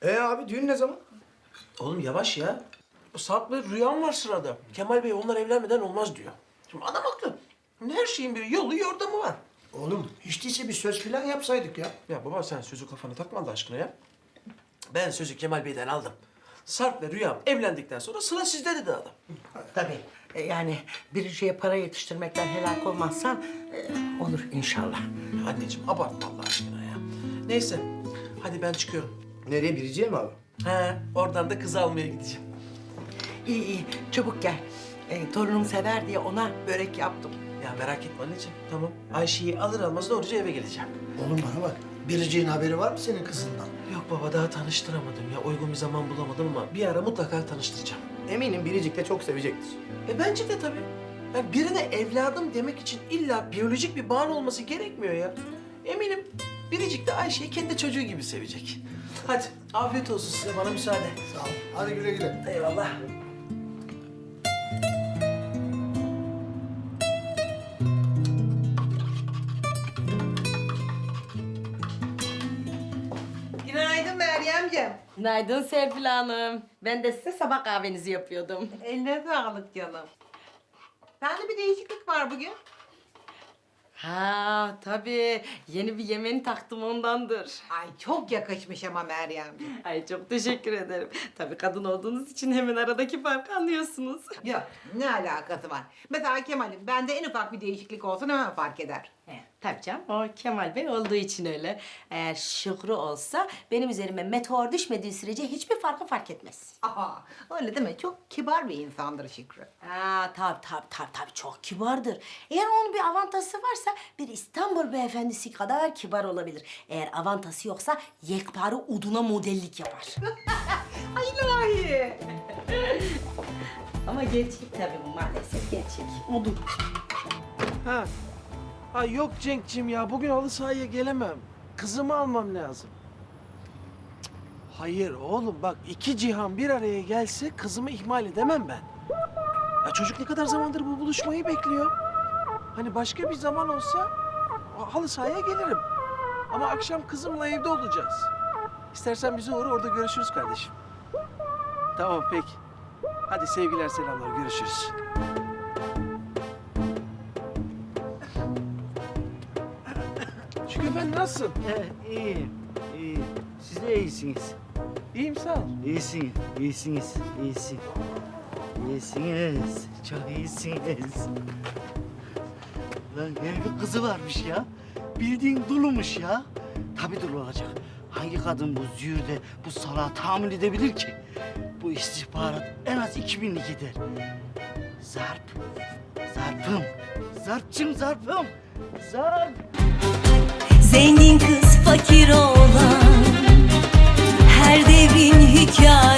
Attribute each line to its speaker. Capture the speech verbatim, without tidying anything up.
Speaker 1: E abi düğün ne zaman?
Speaker 2: Oğlum yavaş ya. Sarp ve Rüyam var sırada. Kemal Bey onlar evlenmeden olmaz diyor. Şimdi adam haklı. Her şeyin bir yolu yordamı var.
Speaker 1: Oğlum hiç değilse bir söz falan yapsaydık ya.
Speaker 2: Ya baba sen sözü kafana takma Allah aşkına ya. Ben sözü Kemal Bey'den aldım. Sarp ve Rüyam evlendikten sonra sıra sizde dedi adam.
Speaker 3: Tabii. E, Yani bir şeye para yetiştirmekten helak olmazsan e, olur inşallah.
Speaker 2: Ya anneciğim abartma Allah aşkına ya. Neyse hadi ben çıkıyorum.
Speaker 1: Nereye Biricik'e mi abi?
Speaker 2: He oradan da kız almaya gideceğim.
Speaker 3: İyi iyi çabuk gel. E, torunum sever diye ona börek yaptım.
Speaker 2: Ya merak etme anneciğim tamam. Ayşe'yi alır almaz doğruca eve geleceğim.
Speaker 1: Oğlum bana bak. Biricik'in haberi var mı senin kızından?
Speaker 2: Yok baba daha tanıştıramadım ya. Uygun bir zaman bulamadım ama bir ara mutlaka tanıştıracağım.
Speaker 1: Eminim Biricik de çok sevecektir.
Speaker 2: E bence de tabii. Yani birine evladım demek için illa biyolojik bir bağın olması gerekmiyor ya. Eminim Biricik de Ayşe'yi kendi çocuğu gibi sevecek. Hadi afiyet olsun size bana müsaade.
Speaker 1: Sağ ol. Hadi güle güle.
Speaker 2: Eyvallah.
Speaker 4: Günaydın Meryemciğim.
Speaker 5: Günaydın Serpil Hanım. Ben de size sabah kahvenizi yapıyordum.
Speaker 4: Eline sağlık canım. Sende bir değişiklik var bugün.
Speaker 5: Ha tabii. Yeni bir yemeğini taktım ondandır.
Speaker 4: Ay çok yakışmış ama Meryemciğim.
Speaker 5: Ay çok teşekkür ederim. Tabii kadın olduğunuz için hemen aradaki farkı anlıyorsunuz.
Speaker 4: Yok ne alakası var? Mesela Kemal'im bende en ufak bir değişiklik olsun hemen fark eder.
Speaker 5: He, tabii canım. O Kemal Bey olduğu için öyle. Eğer Şükrü olsa benim üzerime meteor düşmediği sürece hiçbir farkı fark etmez.
Speaker 4: Aha öyle deme çok kibar bir insandır Şükrü.
Speaker 5: Ha tabii tabii tabii tabii çok kibardır. Eğer onun bir avantası varsa bir İstanbul beyefendisi kadar kibar olabilir. Eğer avantası yoksa yekpare uduna modellik yapar.
Speaker 4: Ay ilahi.
Speaker 5: Ama gerçek tabii bu maalesef gerçek. Udun.
Speaker 2: Ha. Ay yok Cenk'cim ya bugün halı sahaya gelemem. Kızımı almam lazım. Cık, hayır oğlum bak iki cihan bir araya gelse kızımı ihmal edemem ben. Ya çocuk ne kadar zamandır bu buluşmayı bekliyor. Hani başka bir zaman olsa halı sahaya gelirim. Ama akşam kızımla evde olacağız. İstersen bizi uğra orada görüşürüz kardeşim. Tamam peki. Hadi sevgiler selamlar görüşürüz. Şükrü Efendi nasılsın?
Speaker 6: Ee, iyiyim, iyiyim. Siz de iyisiniz.
Speaker 2: İyiyim sağ ol.
Speaker 6: İyisiniz, iyisiniz, iyisin. İyisiniz, çok iyisiniz. Lan evli kızı varmış ya. Bildiğin dulumuş ya. Tabii dul olacak. Hangi kadın bu züğürde bu salağı tahammül edebilir ki? Bu istihbarat en az iki binlik eder. Zarp, zarpım, zarpçım zarpım, zarp.
Speaker 7: Zengin kız fakir olan her devrin hikayesi.